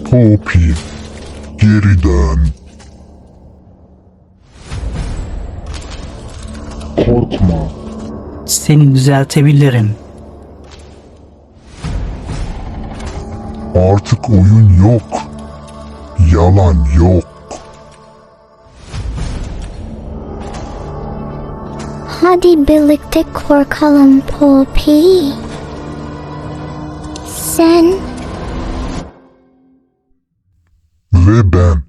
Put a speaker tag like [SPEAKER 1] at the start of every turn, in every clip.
[SPEAKER 1] Poppy, geri dön. Korkma.
[SPEAKER 2] Seni düzeltebilirim.
[SPEAKER 1] Artık oyun yok. Yalan yok.
[SPEAKER 3] Hadi birlikte korkalım Poppy. Sen
[SPEAKER 1] Ve ben.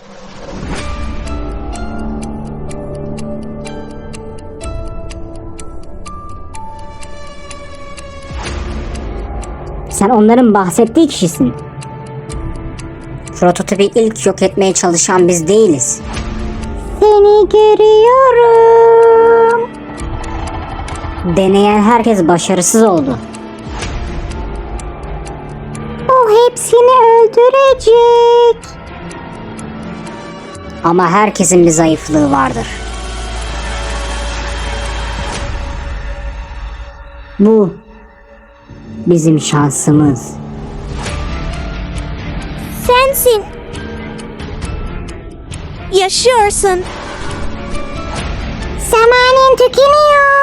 [SPEAKER 4] Sen onların bahsettiği kişisin. Prototipi ilk yok etmeye çalışan biz değiliz. Seni görüyorum. Deneyen herkes başarısız oldu. O hepsini öldürecek. Ama herkesin bir zayıflığı vardır. Bu bizim şansımız.
[SPEAKER 3] sensin.
[SPEAKER 5] Yaşıyorsun.
[SPEAKER 3] Zamanın tükeniyor.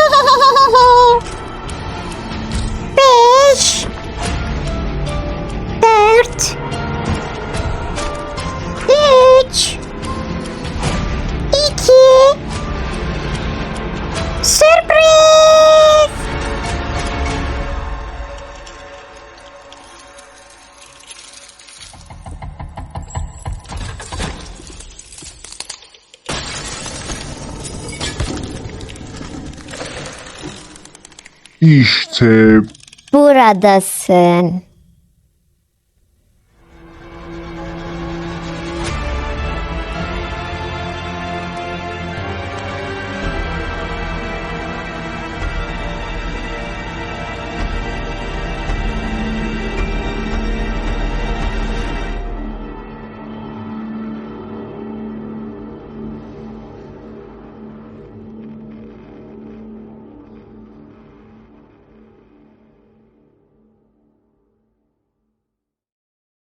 [SPEAKER 3] 5 4 3 2 Sürpriz!
[SPEAKER 1] İşte
[SPEAKER 3] Buradasın.